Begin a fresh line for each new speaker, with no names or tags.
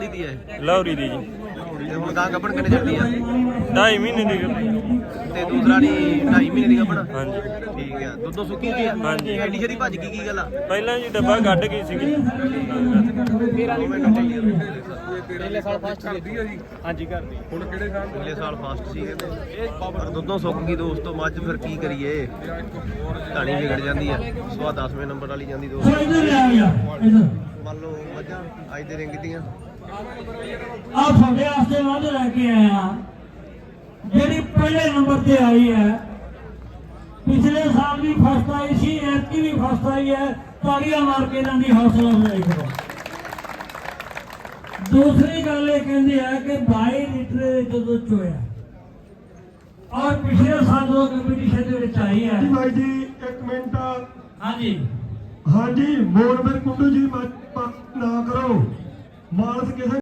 दी है
लौरी दी जी
ते हुण गां गबन किन्ने चढ़दी है
2.5 महीने दी
ते दूसरा नी 2.5 महीने दी गबन
हाँ जी
ठीक है दुद्धों सुक्की होई है
हाँ जी
एडी छेती भज की गल आ
पहला जी डब्बा कट गई सी
पिछले साल फर्स्ट करदी है जी हां जी करदी हुण किहड़े साल पिछले साल फर्स्ट सी कहंदे पर दुद्धों सुੱਕ गई दोस्तों मੱਝ ਫਿਰ ਕੀ ਕਰੀਏ ਢਾਣੀ ਵਿਗੜ ਜਾਂਦੀ ਹੈ ਸਵਾ 10ਵੇਂ ਨੰਬਰ ਵਾਲੀ ਜਾਂਦੀ ਦੋਸਤੋ ਮੰਨ ਲਓ ਮੱਝਾਂ ਅੱਜ ਦੇ ਰਿੰਗ ਦੀਆਂ
ਆ ਤੁਹਾਡੇ ਵਾਸਤੇ ਵੱਧ ਲੈ ਕੇ ਆਇਆ ਜਿਹੜੀ ਪਹਿਲੇ ਨੰਬਰ ਤੇ ਆਈ ਹੈ ਪਿਛਲੇ ਸਾਲ ਵੀ ਫਸਟ ਆਈ ਸੀ ਐਤਕੀ ਵੀ ਫਸਟ ਆਈ ਹੈ ਤਾੜੀਆਂ ਮਾਰ ਕੇ ਇਹਨਾਂ ਦੀ ਹੌਸਲਾ ਅਫਜ਼ਾਈ ਕਰੋ। दूसरी गल ये कहते हैं कि 22 लीटर जो चोया और पिछले साल जो कंपीटिशन आई है
भाई जी एक मिनट
हाँ जी
हाँ जी मोरबे कुंडू जी ना करो मानस किसी